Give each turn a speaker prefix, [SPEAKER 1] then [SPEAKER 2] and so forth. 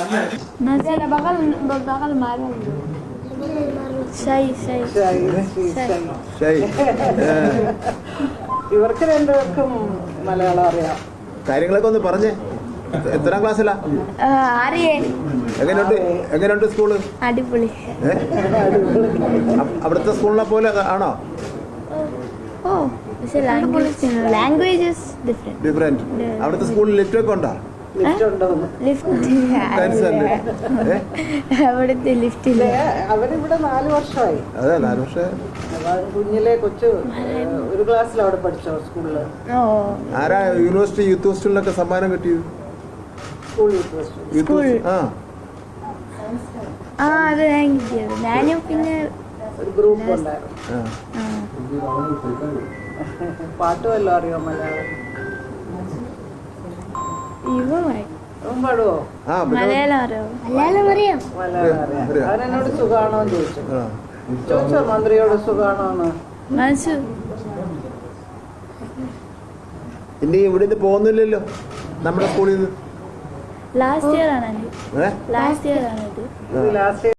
[SPEAKER 1] بغل معلم شاي شاي
[SPEAKER 2] ശരി
[SPEAKER 3] ഇവർക്ക് രണ്ടുപേർക്കും മലയാളം അറിയാം.
[SPEAKER 2] കാര്യങ്ങളൊക്കെ ഒന്ന് പറഞ്ഞേ. എത്രാം ക്ലാസ്സിലാ? എങ്ങനെയുണ്ട് സ്കൂള്?
[SPEAKER 1] അടിപൊളി.
[SPEAKER 2] അവിടുത്തെ സ്കൂളിനെ പോലെ ആണോ?
[SPEAKER 1] Languages
[SPEAKER 2] different. അവിടുത്തെ സ്കൂളിൽ ലിഫ്റ്റ് ഒക്കെ ഉണ്ടോ?
[SPEAKER 1] അവിടുത്തെ ലിഫ്റ്റില്ല.
[SPEAKER 3] അവരിവിടെ 4 വർഷമായി.
[SPEAKER 2] അതെ 4 വർഷം.
[SPEAKER 3] കുഞ്ഞിലെ കൊച്ചു ഒരു ക്ലാസ്സിൽ അവിടെ പഠിച്ചോ സ്കൂളില്.
[SPEAKER 2] ആരാ യൂണിവേഴ്സിറ്റി യൂത്ത് ഹോസ്റ്റലിനൊക്കെ സമ്മാനം കിട്ടിയത്?
[SPEAKER 3] School youth hostel.
[SPEAKER 1] അത് ഞാൻ കിട്ടിയത്. ഞാനും പിന്നെ
[SPEAKER 3] ഒരു ഗ്രൂപ്പ് ഉണ്ടായിരുന്നു. പാട്ട് വല്ലതും അറിയോ മലയാളം? പാടുവോ?
[SPEAKER 1] മലയാളം അറിയോ? മലയാളം അറിയാം.
[SPEAKER 3] മലയാളം അറിയാം. അവരെന്നോട് സുഖാണോന്ന് ചോദിച്ചോ മന്ത്രിയോട് സുഖാണോന്ന്.
[SPEAKER 2] ഇനി ഇവിടെ നിന്ന് പോകുന്നില്ലല്ലോ നമ്മുടെ സ്കൂളിൽ നിന്ന്.
[SPEAKER 1] ലാസ്റ്റ് ഇയർ ആണ്. ലാസ്റ്റ് ഇയർ ആണ്.